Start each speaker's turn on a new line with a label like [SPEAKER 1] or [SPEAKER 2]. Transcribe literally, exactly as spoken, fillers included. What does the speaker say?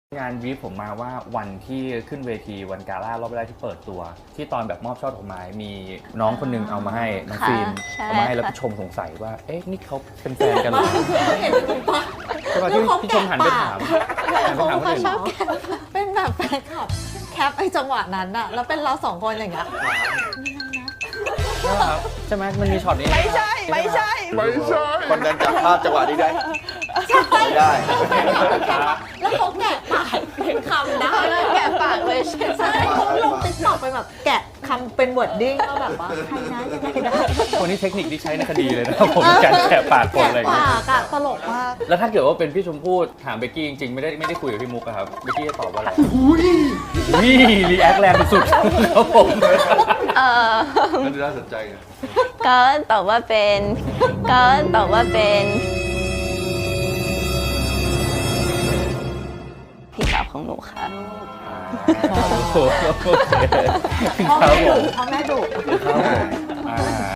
[SPEAKER 1] งานวีฟผมมาว่าวันที่ขึ้นเวทีวันกาล่ารอบแรกที่เปิดตัว ที่ตอนแบบมอบช่อดอกไม้มีน้องคนนึงเอามาให้น้องฟิล์มเอามาให้แล้วพี่ชมสงสัยว่าเอ๊ะนี่เขาเป็นแฟนกันหรอใช่ป่ะที่พี่ชมหันไปถามหันไปถามคนอื่น
[SPEAKER 2] เป็นแบบแฟนคลับแคปไอ้จังหวะนั้นอะแล้วเป็นเราสองคนอย่างเงี้ย
[SPEAKER 1] ใช่ไหมมันมีช็อตนี้
[SPEAKER 2] ไม่ใช่ไม่ใช่
[SPEAKER 3] ไม่ใช่คนนั้นจับภาพจังหวะนี้ได้ไม่ได้
[SPEAKER 2] แล้วเขาแกะปากเป็นคำได้แกะปากเลยใช่เขาลงติ๊กต็อกไปแบบแกะคำเป็นวอร์ดดิ้งก็แบบว่าใครนะยังไงได้
[SPEAKER 1] คนนี้เทคนิคที่ใช้ในคดีเลยนะครับผมการแกะปากคนอะไรอย่าง
[SPEAKER 2] แกะ
[SPEAKER 1] เงี้ย
[SPEAKER 2] ปากอะตลกมาก
[SPEAKER 1] แล้วถ้าเกิดว่าเป็นพี่ชมพู่ถามเบกกี้จริงๆไม่ได้ไม่ได้คุยกับพี่มุกอะครับเบกกี้จะตอบว่าอะไรอุ้ยรีแอคแรงสุดๆครับผม
[SPEAKER 4] เออ
[SPEAKER 3] มันน่าสนใจไง
[SPEAKER 4] ก็ตอบว่าเป็นก็ตอบว่าเป็นพี่สาวของหนูค่ะ
[SPEAKER 1] โอเค
[SPEAKER 2] พ่อ
[SPEAKER 1] ครับ
[SPEAKER 2] แม่
[SPEAKER 1] ผ
[SPEAKER 2] ดุ
[SPEAKER 1] ม
[SPEAKER 2] พ่อแม่ดุ
[SPEAKER 1] ครับผมอ่า